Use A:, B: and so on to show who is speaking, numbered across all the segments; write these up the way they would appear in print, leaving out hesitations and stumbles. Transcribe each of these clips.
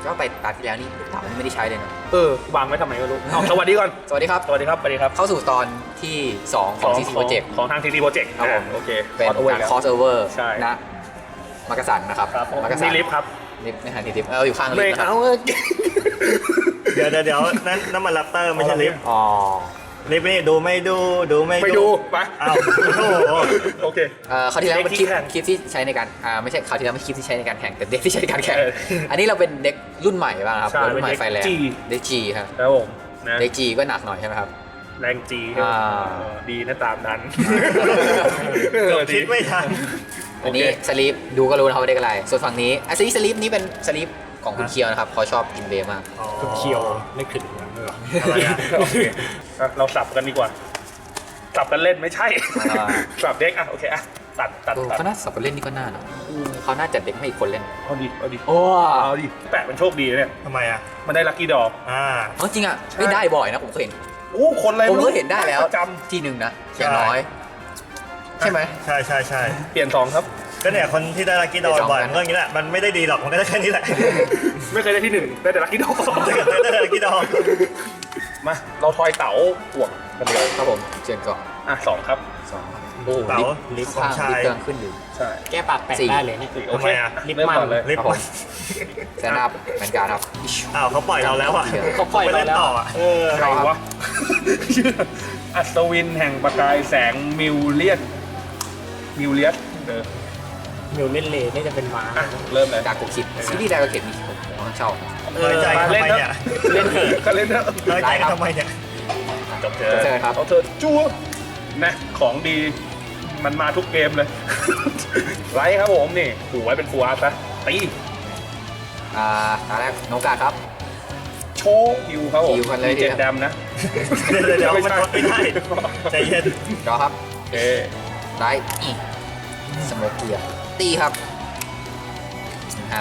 A: ก็ไปตาที่แล้วนี่ลูกเต๋าไม่ได้ใช้เลยนะ
B: วางไว้ทำไมไม่รู้เอาสวัสดีก่อน
A: สวัสดีครับ
B: สวัสดีครับ สวัสดีครับ
A: เข้าสู่ตอนที่ 2 ของ CC Project
B: ของทาง CC Project
A: ครับผม
B: โอเค
A: เป็น
B: ขอโทษ
A: การ
B: ครับ
A: crossover
B: ใช่
A: นะมักกะสันนะครับ
B: ครับ
A: มักกะสั
B: นี่
A: น
B: ลิฟต์ครับ
A: ลิฟต์ในหาที่ลิฟต์อยู่ข้างลิฟ
B: ไม่
A: ต์นะครับ
B: เอา
C: เดี๋ยวนั่นมันแรปเตอร์ไม่ใช่ลิฟต์
A: อ๋อ
C: ลิฟต์นี่ดูไม่ดูไม่
B: ไปดูไป
C: อ้าวโอ้โห
B: โอเค
A: คราวที่แล้วเป็นคลิป
B: เด็กที่แข่ง
A: คลิปที่ใช้ในการไม่ใช่คราวที่แล้วไม่ใช่คลิปที่ใช้ในการแข่งแต่เด็กที่ใช้ในการแข่ง
B: เออ
A: อันนี้เราเป็นเด็กรุ่นใหม่บ้างครับ
B: ใช่
A: รุ่นใหม่
B: เป็น
A: ไฟแรง
B: G
A: เด็กจีครับ
B: ครับผมนะ
A: เด็กจีก็หนักหน่อยใช่ไหมครับ
B: แรงจี
A: อ่า
B: ดีนะตามนั้น
C: เกือบคิดไม่ทัน
A: อันนี้สลีปดูก็รู้นะครับว่าเด็กอะไร ส่วนฝั่งนี้สลีปนี้เป็นสลีปของคุณเคียวนะครับเขาชอบกินเบย์มาก
C: คุณ
D: เคียวไม่ขึ้นอย่างนั้นหรอ
C: อะไรอะ
B: โอเคเราสับกันดีกว่า สับกันเล่นไม่ใช่
A: อ่า
B: สับเด็กอ่ะโอเคอ่ะตัด
A: เขาน่าสับไปเล่นนี่ก็น่านะเขาน่าจัดเด็กให้อีกคนเล่น
B: เอาดิ
A: โอ้
B: เอาดิแปะมันโชคดีนะเนี่ย
C: ทำไมอ่ะ
B: มันได้ลัคกี้ดอก
A: เอาจริงอ่ะไม่ได้บ่อยนะผมเคยเห็น
B: อู้คนอะไร
A: ผมเคยเห็นได้แล้ว
B: ประจ
A: ทีหนึ่งนะอย่างน้อย ใช่ไหม
C: ใช่
B: ำเปลี่ยนสองครับ
C: ก็เนี่ยคนที่ได้ลัคกี้ดอ
A: เดี๋ยว
C: บ่อย
A: สองกัน
C: มันก็อย่างนี้แหละมันไม่ได้ดีหรอกมันก็ได้แค่นี้แหละ
B: ไม่เคยได้ที่หนึ่งได้แต่ลัคกี้ดอก
C: ได้ลัคกี้ดอ
B: มาเราทอยเต๋าห่วงกันเดียว
A: ครับผมเชิญก่อน
B: อ่ะสองครับ
A: สองโอ้
C: เต๋า
A: ลิฟต์
C: ของ
A: ข้าง
C: ชา
A: ลิฟ
C: ย
A: ต์กำลังขึ้นอยู่
B: ใช่
D: แก้ปากแตก
A: สี่
D: ได้เลยเนี่ย
B: โอเค
C: ทำไมอ่ะ
B: เริ่มก่อนเลย
C: ลิฟ
A: ครับ
C: ต์
A: ผมแซนอัพเหมือนกันครับ
C: อ้าวเขาปล่อยเราแล้วอ่ะ
D: เขาปล่อย
C: ไป
D: เรา
C: เล่น
D: แล้ว
C: ต่ออ่ะ
B: ใครวะ อัศวินแห่งประกายแสงมิวเลียนเออ
D: มิวเล่นเลนี่จะเป็นม้า
B: อ่ะเริ่มเลย
A: ดากุคิดซีรีส์ดากุคิดนี่ผมชอบ
C: น้อยใจ
B: มา
C: ทำ
B: เล่น
C: ไม
B: เถ
C: เนี่ย
B: อะเล่นเถอะก็เล่นเถอะ
C: น้อยใจทำไมเนี่ย
B: จบเจ
A: เชิญครับ
B: เอาเธอจั่วนะของดีมันมาทุกเกมเลย ไลท์ครับผมนี่หูไว้เป็นฟูอาร์ตซะตี
A: ตอนแรกโนกาครับ
B: โชว์ฮิวครับผม
A: ฮิวกันเลย
B: มีเจ็ดดำนะ
C: เดี๋ยวมันทดไม่ได้ใจเย็น
A: รอครับ
B: โอเค
A: ได้อีกสโมกเกียร์ตีครับอ่า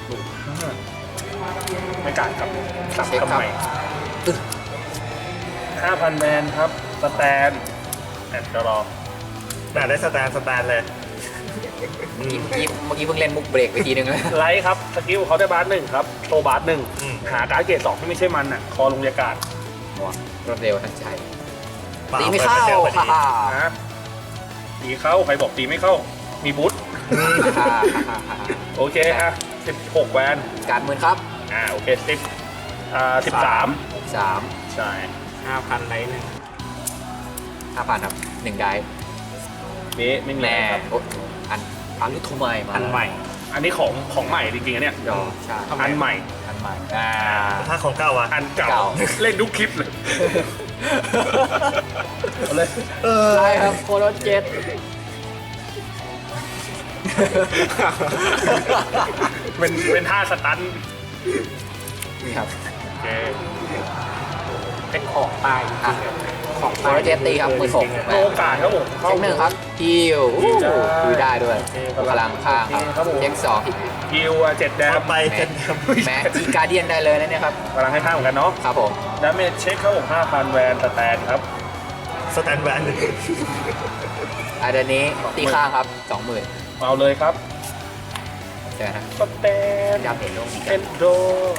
B: ไม่กัดครับสับ
A: เช็คครับ
B: ทำไม
A: อึ๊ะ
B: 5,000แมนครับสแตนแอนด์รอ
C: น่าได้สแตนเลย
A: เมื่อกี้เพิ่งเล่นมุกเบรกไปทีนึงแล้ว
B: ไลท์ครับสกิลเขาได้บาร์หนึ่งครับโชว์บาร์หนึ่ง
C: อืม
B: หาการ์ดเกรดสองที่ไม่ใช่มันอ่ะคอลงยากาศ
A: รวดเร็วทันใจ
C: ปล่
A: ตีไม่เข้า
C: ปิดไปเจอพอดี
A: ฮ่า
B: นะตีเข้าใครบอกตีไม่เข้ามีบูท
A: ฮ่าฮ่าฮ่า
B: โอเคอ่ะ16แวน
A: การหมื่นครับ
B: โอเค13
A: 3
B: ใช่
D: 5,000ไรหนึ่ง
A: 5,000ครับ1ได้
B: นี่ไม่มี
A: แน่
B: ครับ
A: โอ๊ยอันนี้โทไมมา
D: อันใหม่
B: อันนี้ของใหม่จริงๆอันเนี้ย
A: ดอใช่
B: อันใหม่
A: อันใหม่
C: ถ้าของเก่าอ่ะ
B: อันเก่า
A: เก่า
B: เล่นทุกคลิปเลยเอาเลย
A: ใช่ครับโคโรเจ็ต
B: เป็นท่าสตัน
A: นี่ครับ
B: โอเค
D: เป็นของตายจริงๆอะของ
A: โค
D: ตาย
A: โรเจ็ตตีครับมือถก
B: โอกาสครับผมเข้า
A: เช็คหนึ่งครับฮิวคุยได้ด้วยพลังข้างครับเช็คสอง
B: ฮิว7แดม
C: ไปเจ็ด
A: แม้จีการเดียนได้เลยนะเนี่ยครับ
B: พลังให้ข้างเหมือนกันเนาะ
A: ครับผม
B: ดาเมจเช็คครับผม 5,000 แวนสแตนครับ
C: สแตนแวน
A: อันนี้ตีข้างครับ 20,000
B: เอาเลยครับ
A: ใช่ไหมครับ
B: สแตน
A: ดาเมจลง
B: เอนโด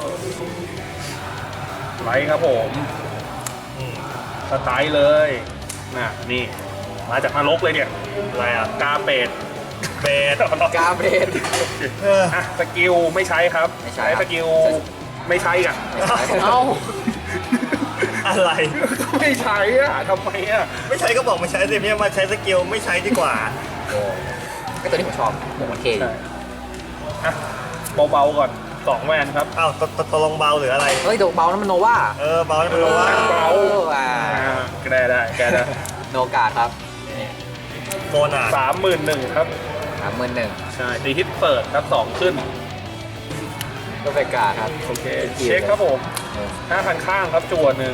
B: ไลท์ครับผม สไตล์เลยน่ะนี่ มาจากนรกเลยเนี่ย
C: อะไรอ่ะ
B: กาเปด
C: เบส
A: กาเบรด
B: อ่ะสกิลไม่ใช้ครับ
A: ไม่ใช้ครับ
B: สกิลไม่ใช้กัน
A: เอ้า
C: อะไร
B: ไม่ใช้อ่ะทำไมอ่ะ
C: ไม่ใช้ก็บอกไม่ใช้สิไม่มาใช้สกิลไม่ใช้ดีกว่า
A: ก็ตัวนี้ผมชอบผมมันเท่ดี
B: อ่ะเบาๆก่อน2แวนครับ
C: อ้าวตกลงเบาหรืออะไร
A: เฮ้ยโดเบานั้นมันโนวา
C: เบาแล้วเป็นว่า
B: เบา
A: อ่า
B: แกได้
A: โนกาครับ
C: โมนา
B: 31,000ครับ
A: 31,000
B: ใช่ตีฮิตเปิดครับ2ขึ้น
A: ก็ไปกาครับ
B: โอเค เช็คครับผม 5,000 ข้างครับจั่วหนึ่ง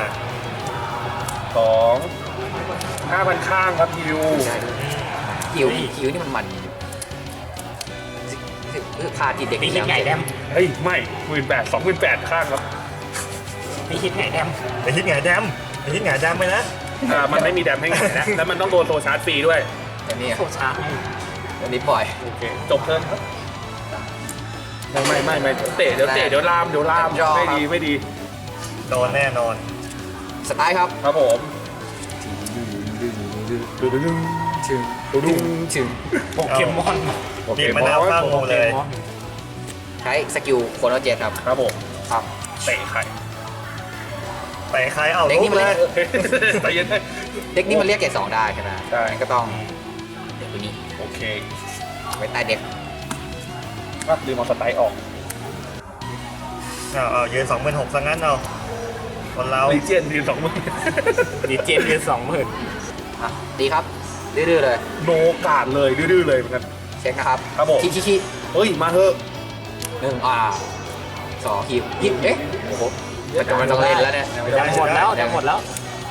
B: 2 5,000 ข้างครับฮิว
A: คิวนี่มันพาติดเด็ก
D: ตีฮิตไงแดม
B: เฮ้ย ไม่18,000 28,000 ข้างครับ
D: ตีฮิตไงแดม
C: ไปฮิตไงแดมไปฮิตไงแดมไปนะ
B: มันไม่มีแดมให้ไงนะ แล้วมันต้องโดนโซชาร์จฟรีด้วย
A: อันนี้
D: โคชาร์จ
A: อันนี้ปล่อย
B: โอเค จบเทิร์นครับไม่เตะเดี๋ยวลามไม่ดี
C: โดนแน่นอน
A: สไตล์ครับ
B: ครับผม
A: ถึงถึง
D: โปเกมอน
C: บีบมะนาวข้างงูเลย
A: ใช้สกิลโคโนเจตครับ
B: ครับผม
A: ครับ
B: เตะไข่
C: แต่ใครเอา
A: เด็ก
C: ลุ
A: นี่
C: ก
A: มัน
C: เล
A: เรีย
C: ย
A: ก
B: ใจเย็น
A: เด็กนี่มันเรียกเกรด2ได้ใช่ไหม
B: ใช่
A: งั้นก็ต้องเด็กตัวนี้
B: โอเค
A: ไว้ใต้เด็ก
B: ก็ลืมเอาสไตล์ออก
C: เอายืน26,000ซะงั้นเอาคนเรา
B: ลีเจนที2 มือ
D: ดีเจนเดือน20,000
A: อ่ะดีครับดื้อๆเลย
B: โนกาดเลยดื้อๆเลยเหมือนกัน
A: เช็คนะครับ
B: ครับผม
A: ขี้
B: เฮ้ยมาเถอะ
A: หนึ่งสองฮิปเอ๊ะโอ้โหมันต้องเล่นแล้วเนี่ย
D: จะหมดแล้วจะหมดแล้ว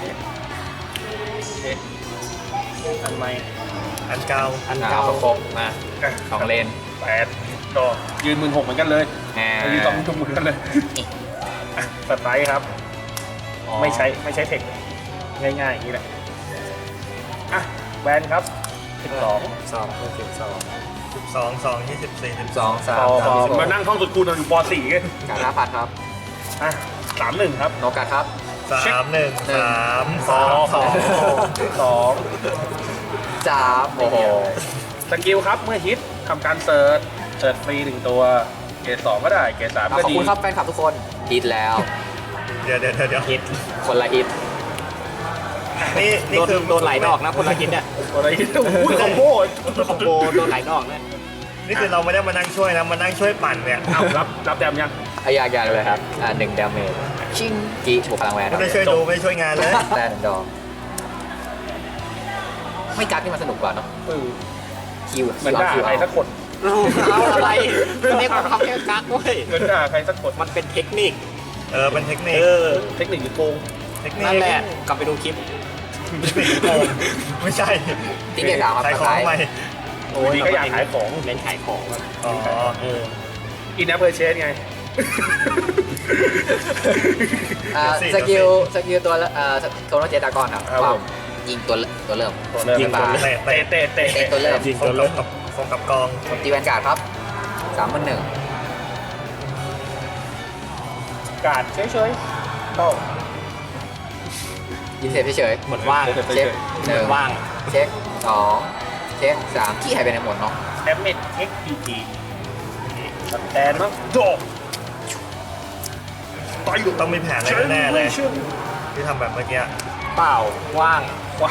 B: อันใหม่
C: อันเก่า
D: อัน
A: เก้า
D: เก่า
A: ครบมาสองเลน
B: 8ดอกยืน16,000เหมือนกันเลย
A: อ่า
B: ยืน2 เหมือนกันเลยอ่ะสไตล์ครับ ไม่ใช้เทคง่ายๆอย่างนี้แหละอ่ะแวนครับ12
C: 12 24
A: สองสาม
B: พอ
A: สาม
B: มานั่งท่องสุดคูณเราอยู่ป .4 ไง
A: การหน้าพัดครับ
B: อ่ะ31ครับ
A: โนกาครับ
C: 3 1 3 2
A: สามโอ้โห
B: สกิลครับเมื่อฮิตทำการเสิร์ชฟรี1ตัวเกรด2ก็ได้เกรด3
A: ข
B: ก็
A: อบ
B: ดี
A: คุณครับแฟนคลับทุกคนฮิตแล้ว
C: เดี๋ยว
D: ฮิต
A: คนละฮิต
C: นี่คือ
D: โดนหลายดอกนะคนละฮิตเนี่ย
B: อะไรฮิตอุ้ยคอมโบ
D: คอมโบโดนหลายดอกเนี่ย
C: นี่คือเราไม่ได้มานั่งช่วยนะมานั่งช่วยปั่นเนี่ย
B: รับแดมยัง
A: อยากเลยครับ1 ดาเมจชิงกีบวกพลังแวนค
C: ไม่
A: รับ
C: ได้ช่วยดูไม่ได้ช่วยงานเลย
A: แต่1 ดอกไม่กักนี่มันสนุกกว่าเนาะคิว
B: เหมือนด่าใครสักคน
D: เอาอะไรเรียกว่าเขาแค่กักเว้ย
B: เหมือนด่าใครสักคน
D: มันเป็นเทคนิค
C: เป็นเทคนิค
B: เทคนิคหรือโกง
C: เทคนิค
D: นั่นแหละกลับไปดูคลิป
C: ไม่ใช่
A: ตีเกรด3ครับ
C: ใคร
A: ส
C: ขอ
A: ไต
C: ง
A: ล์
C: ใหม่
B: อยู่ดีก็อยากขายของ
D: เน้นขายของอะ
C: อ๋อ
B: อินแอปเพอร์เชสไง
A: สกิลตัวโคโนเจตากอนครับ
B: ครับผม
A: ยิงตัวเริ่ม
C: ยิงตัว
A: เตะ
C: เตะ
B: เตะ
A: เตะตัวเริ่ม
C: ยิงตัวเริ่มกับกอง
A: ตีแวนการ์ดครับ31,000
B: การ์ดเฉยๆเข้า
A: ยิงเสร็จเฉย
D: เหมือนว่าง
A: ๆเช็ค
D: เหมือนว่าง
A: เช็ค2เช็ค3ขี้หายไปไหนหมดเนาะ
B: แดมเมจ XPG สแตนมั้งโดดต่อยอยู่
C: ต้องมีแผนอะไรแน่ๆเลยที่ทำแบบเมื่อกี้
D: เปล่าว่าง
B: ว้า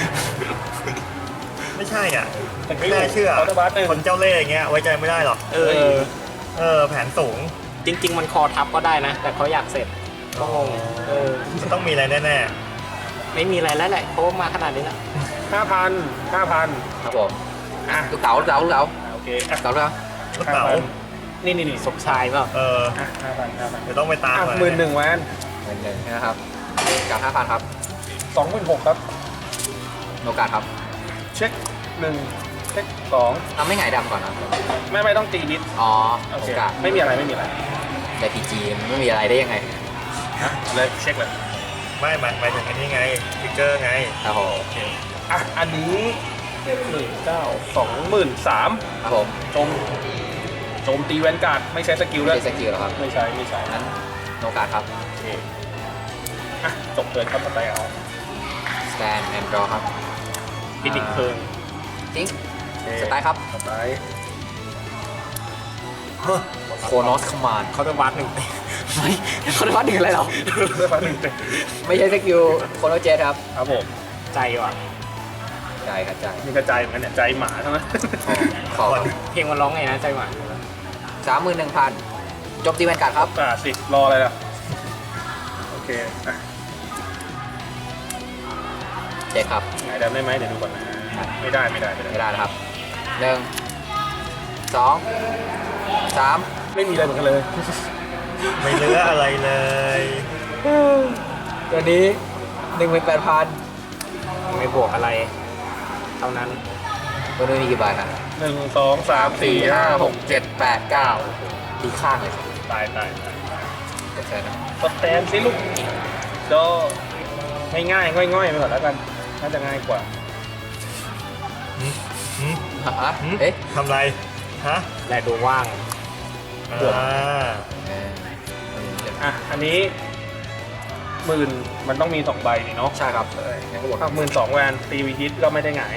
C: ไม่ใช่อ่ะไม่น่าเชื่อ
B: คาร์ดบัสหนึ่ง
C: คนเจ้าเล่ห์อย่างเงี้ยไว้ใจไม่ได้หรอก แผนสูง
D: จริง ๆ มันคอทับก็ได้นะ แต่เขาอยากเสร็จก็งง
C: ต้องมีอะไรแน่
D: ไม่มีอะไรแล้วแหละเพราะว่ามาขนาดนี้แล้ว
B: 5,000
A: ครับผม
B: อ่ะ
A: ลูกเต๋า
B: โอเคอ่ะ
A: เต๋า
C: ๆลูกเต๋า
B: นี่
D: สมชายเปล่า
B: อ่ะ5,000
C: เดี๋ยวต้องไปตาม
B: อ่ะ
C: หน่อย
B: 11,000แวน
A: 11,000นะครับกับ 5,000 ครับ
B: 26,000ครับ
A: โนกาครับ
B: เช็ค1เช็ค2
A: ทำไม่หงายดำก่อนนะ
B: ไม่ต้องตีนิด
A: อ๋อ
B: โอ
A: โน
B: เค
A: กา
B: ไม่มีอะไร
A: แต่พีจีไม่มีอะไรได้ยังไง
B: นะเลยเช็คเลย
C: ไม่หมายถึงอันนี้ไงฟิกเกอร์ไง
A: ครับผม
B: อ่ะอันนี้19,23,000
A: ครับผม
B: โจมตีแวนการ์ดไม่ใช้สกิล
A: ไม่
B: แล้ว
A: ใช่สกิลหรอครับ
B: ไม่ใช้
A: นั้นโนกาครับ
B: โอเคอ่ะจบเทิร์นครับสไตล์เอา
A: สแตนแอนด์ดรอครับ
D: พิดิกเพิง
A: ทิ้งสไตล์ครับ
B: สไตล์
A: โคโนสคอมมานด์
D: เขาจะวัดหนึ่ง
A: ไม่เขาได้วัดถึงอะไรหรอ
B: เลือกมาหนึ่งเต็ม
A: ไม่ใช่สกิลโคโนเจตครับ
B: ครับผม
D: ใจว่ะ
A: ใจครับใจ
B: มีกระจายเหมือนกันเนี่ยใจหมาใช่ไหม
A: ขอ
D: เพลงมันร้องไงนะใจหวาน
A: 31,000จบตีแวนการ์ดครับ
B: สิรออะไรล่ะโอเคอ่ะ
A: เจ็ดครับ
B: ไหนได้ไหมเดี๋ยวดูก่อนนะไม่ได้
A: ไม่ได้นะครับ1 2 3
B: ไม่มีอะไรเหมือนกันเลย
C: ไม่เหลืออะไรเลย
A: ตัวนี้ 18,000
D: ไม่บวกอะไร เท่านั้น
A: ตัวนี้มีกี่ใบนะ
B: 1 2 3 4 5 6
A: 7 8 9ดีข้างเลยครับ
B: ตาย
A: ก็ใช่นะ
B: สแตนสิลูกโดง่ายๆง่อยๆไปก่อนแล้วกันน่าจะง่ายกว่า
A: ฮะเอ๊ะ
C: ทำไร ฮะ
D: และดูว่าง
B: บวก
C: อ่า
B: อันนี้10,000มันต้องมี2ใบนี่เนาะ
A: ใช่ครับ
B: งั้นก็บวก12,000แวนตีวีฮิตก็ไม่ได้หงาย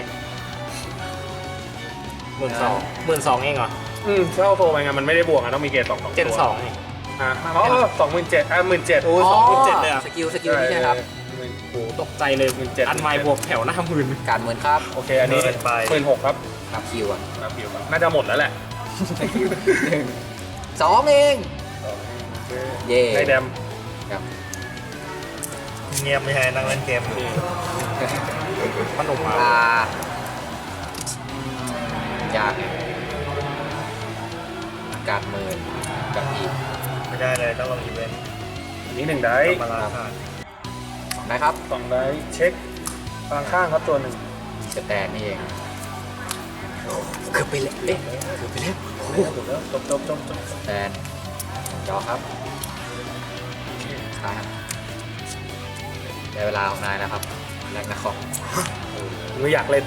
D: 12,000เองเหรอ
B: เข้าโซไปไงมันไม่ได้บวกอ่ะต้องมีเกรด2
D: เจน2นี่
B: 27,000 17,000
D: โอ้ย
A: อ๋อ
D: 27,000เลยอ่ะ
A: สกิลนี่ใช่ครับ
D: โอ้โหตกใจเลย
B: 17,000
D: อันไมล์บวกแถวหน้าหมื่น
A: การเมือนครับ
B: โอเคอันนี้
C: เกินไป
B: 16,000ครับ
A: ครับคิวอ่ะ
B: น่าจะหมดแล้วแหละ
A: 2 เอง เย่
B: ได้แดม
A: ครับ
C: เงียบไม่ใช่นั่งเล่นเกมอยู่
D: ขนมมา
A: ยากการเมือนกับอีก
C: ไม่ได้เลยต้องลงอีเวนต์
B: อันนี้1ได้
C: มาลาค่ะ
A: นะครับ
B: 2ได้เช็คพลังข้างครับตัวหนึ่ง
A: สแตนนี่เองเกือบไปแล้วเอ๊ะเกือบไปแล้ว
B: ถูกแล้วจบ
A: สแตนจอครับใช่ครับได้เวลาของนายแล้วครับแรกนะครับ
B: ไม่อยากเล่น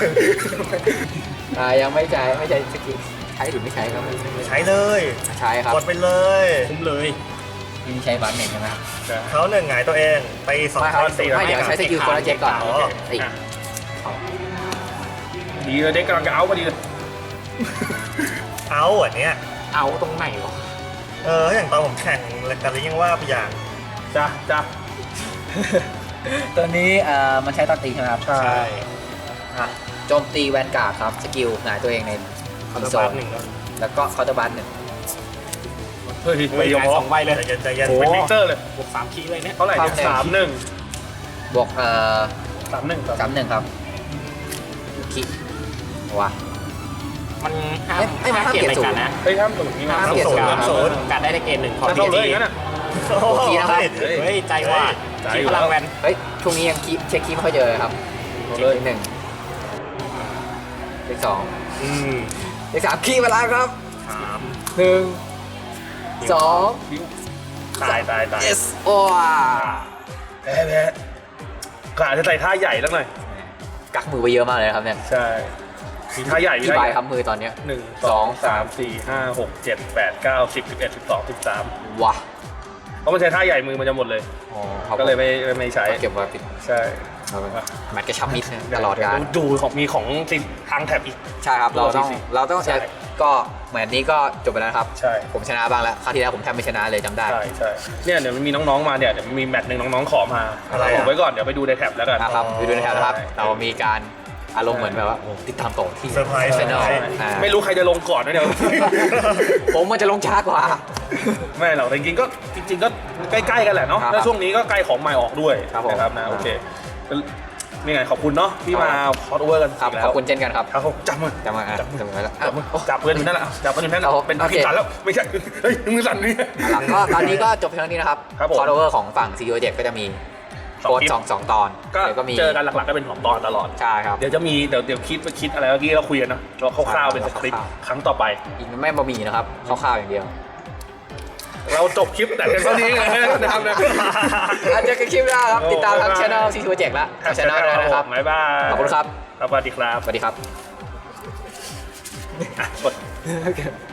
A: ยังไม่ใช้สกิลใช้หรือไม่ใช้ครับ
C: ใช้เลย
A: ใช้ครับ
C: กดไปเลย
D: คุ้มเลย
A: มีใช้บัตรหนึ่งใช่ไหม
C: เขาหนึ่งหงายตัวเองไปสอง
A: ไม่ครับ
C: คน
A: ไม่เดี๋ยวใช้สกิลคนละเจ็คก่อน
C: อ๋อ
A: อีก
B: ดีเลยเด็กกำลังจะเอาพอดีเลย
C: เอาอันเนี้ย
D: เอาตรงไหนวะ
C: อย่างตอนผมแข่งกันยังว่าไปอย่าง
B: จ้ะ
A: ตัวนี้มันใช้ตอนตีใช่ไหมครับ
B: ใช่
A: อ่ะโจมตีแวนการ์ดครับสกิลหงายตัวเองใน
D: คาร์
A: โซ
D: บา
A: น
D: น1แล้ว
A: แล้วก็เคาน์เตอร์บัตหนึ่ง
B: เฮ้ย
D: เฮ้
B: ไม่
D: ย
B: ยอม
D: ขาย2ใบเลย
C: ใจเย็นใจเย็น
B: เป็นวิกเตอร์เลย
D: บวก3คีย์เลยเนี่ย
B: เท่าไหร่เนี่ย31
A: บวก
B: 31
A: ครับคิดวะ
D: มันห้าม
A: ไม่มันห้าม
D: เกรด
A: เกรด
D: รายการนะ
B: เฮ้ยห้ามสูงนี่มา
A: ห้ามเกรดสูง
D: การได้เกรด1ขอ
B: ถ้า
D: ที
B: เข้าเลย
D: ที
B: อย่างนั้นอ่ะ
C: โอ้โห
A: ทีนะครับ
D: เฮ้ยใจว่า
B: ใจ
D: คี
B: อยู่
D: พลัง
B: แล้ว
D: แวน
A: เฮ้ยช่วงนี้ยังเช็คคีย์ไม่ค่อยเจอเลยครับ
B: เข้า
A: เช็
B: เลย
A: คหนึ่งเลขสอง
B: อืม
A: เลขสามคีย์มาแล้วครับ
C: 3
A: หนึ่งสอง
B: ตาย
A: yes โอ้ย
B: แพ้กะจะใส่ท่าใหญ่แล้วหน่อย
A: กักมือไปเยอะมากเลยนะครับเนี่ย
B: ใช่มีท่าใหญ่มี
A: ที่
B: ท่า
A: ใบ
B: ใหญ่
A: ครับมือตอนเนี้ย
B: 1 2 3 4 5 6 7 8 9 10 11 12 13
A: ว้า
B: เพราะมันใช้ท่าใหญ่มือมันจะหมดเลย
A: อ๋อครับ
B: ก็เลยไม่ใช้
A: เก็บไว้ปิด
B: ใช่
A: เอาไว้แมตช์กระชับมิตรนะตลอดการ
B: ดูของมีของติดทางแถบอีก
A: ใช่ครับเราต้อง
B: ใช่
A: ก็เหมือนนี้ก็จบไปแล้วนะครับ
B: ใช่
A: ผมชนะบ้างแล้วคราวที่แล้วผมแทบไม่ชนะเลยจำได้
B: ใช่เนี่ยเดี๋ยวมันมีน้องๆมาเนี่ยเดี๋ยวมีแมตช์หนึ่งน้องๆขอมา
C: อะไรอ่ะ
B: ผมไว้ก่อนเดี๋ยวไปดูในแท็บแล้วกัน
A: นะครับไปดูในแถวนะครับ
B: ใช่
A: เรามีการอารมณ์เหมือนแบบว่าติดตามต่อที่
C: เซอร์ไพรส์
A: ชแนล
B: ไม่รู้ใครจะลงก่อนนะเดี๋ยว
A: ผมมันจะลงช้ากว่า
B: ไม่หรอกแต่จริงๆก็ใกล้ๆกันแหละเนาะ
A: ครับ
B: แล้วช่วงนี้ก็ใกล้ของใหม่ออกด้วย
A: ครับผม
B: นะครับนะโอเคนี่ไงขอบคุณเนาะที่มาคอร์สโอเวอร์กัน
A: ครับ
B: อีกแล้ว
A: ขอบคุณเช่นกันครับ
B: ครับผมจับมือ
A: จะมาอ่ะ
B: จับมือ
A: จะมาแล้ว
B: จับมือจับเพื่อนอยู่นั่นแหละจับเพื่อนอยู่นั่นแหละ
A: ครับผม
B: เป็น
A: โอเค
B: ผิดสันแล้วไม่ใช่เฮ้ยมือสั่นนี่
A: หลังก็ตอนนี้ก็จบเพียงเท่านี้นะครับ
B: ครับผม
A: คอร์ดเวอร์ของฝั่งซีโอเจ็ก็จะมี
B: สอง
A: โค้ด
B: คลิป
A: สองตอน
B: ก็
A: แล้วก็มี
B: เจอกันหลักๆก็เป็นของตอนตลอด
A: ใช่ครับ
B: เดี๋ยวจะมีเดี๋ยวคิดอะไรเมื่อกี้เราคุยกันเนาะเราคร่าวๆเป็นสคริปต์
A: คร่าวๆ
B: ครั้งต่อไป
A: อีกไม่บะหมี่นะครับคร่าวๆอย่างเดียว
B: เราจบคลิปแต่เพียงเท่านี้เลยนะครับนะ
A: อาจจะกันคลิปหน้าครับ ติดตามทางช่องซีโอเจ็แล้วทางช่องนะครับ
B: บ๊ายบาย
A: ขอบคุณครับ
B: สวัสดีครับ
A: สวัสดีครับ
B: อ่ะกด